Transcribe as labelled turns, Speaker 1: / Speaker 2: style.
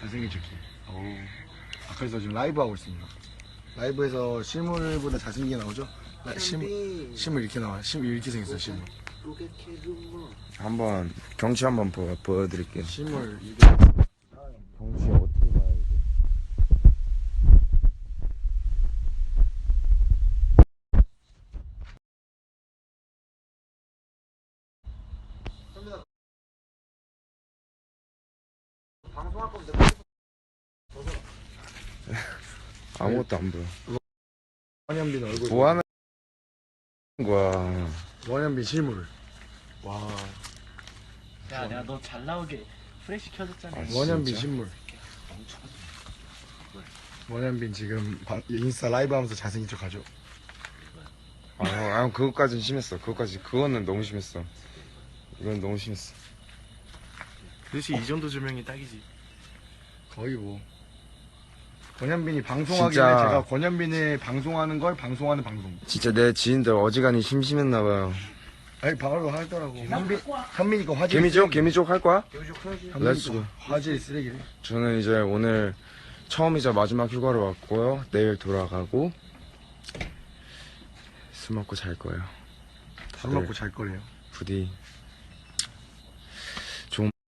Speaker 1: 잘생긴 척해. 그래서 지금 라이브 하고 있습니다. 라이브에서 실물보다 잘생기게 나오죠? 실물 이렇게 나와요. 실물 이렇게 생겼어요. 실물.
Speaker 2: 한번 경치 한번 보여드릴게요.
Speaker 1: 실물 이게
Speaker 2: 경치 어떻게 봐야지?
Speaker 1: 방송할 건데
Speaker 2: 아무것도 안 보여.
Speaker 1: 원현빈 얼굴.
Speaker 2: 뭐 하는 거야?
Speaker 1: 원현빈 실물. 와.
Speaker 3: 야, 내가 너 잘 나오게 프레시 켜줬잖아.
Speaker 2: 아,
Speaker 1: 원현빈
Speaker 2: 진짜?
Speaker 1: 실물. 원현빈 지금 인스타 라이브 하면서 잘생긴 척 하죠.
Speaker 2: 그것까진 심했어. 그거는 너무 심했어. 이건 너무 심했어.
Speaker 3: 그렇지, 이 정도 조명이 딱이지.
Speaker 1: 거의 뭐. 권현빈이 방송하길래
Speaker 2: 진짜.
Speaker 1: 제가 권현빈이 방송하는 걸 방송하는 방송.
Speaker 2: 진짜 내 지인들 어지간히 심심했나봐요.
Speaker 1: 아니 바로 하더라고. 현민이 거 화질.
Speaker 2: 개미족 할 거야?
Speaker 1: 현민이
Speaker 2: 렛츠고.
Speaker 1: 거 화질 쓰레기래.
Speaker 2: 저는 이제 오늘 처음이자 마지막 휴가를 왔고요. 내일 돌아가고 술 먹고 잘 거예요.
Speaker 1: 술 먹고 잘 거래요.
Speaker 2: 부디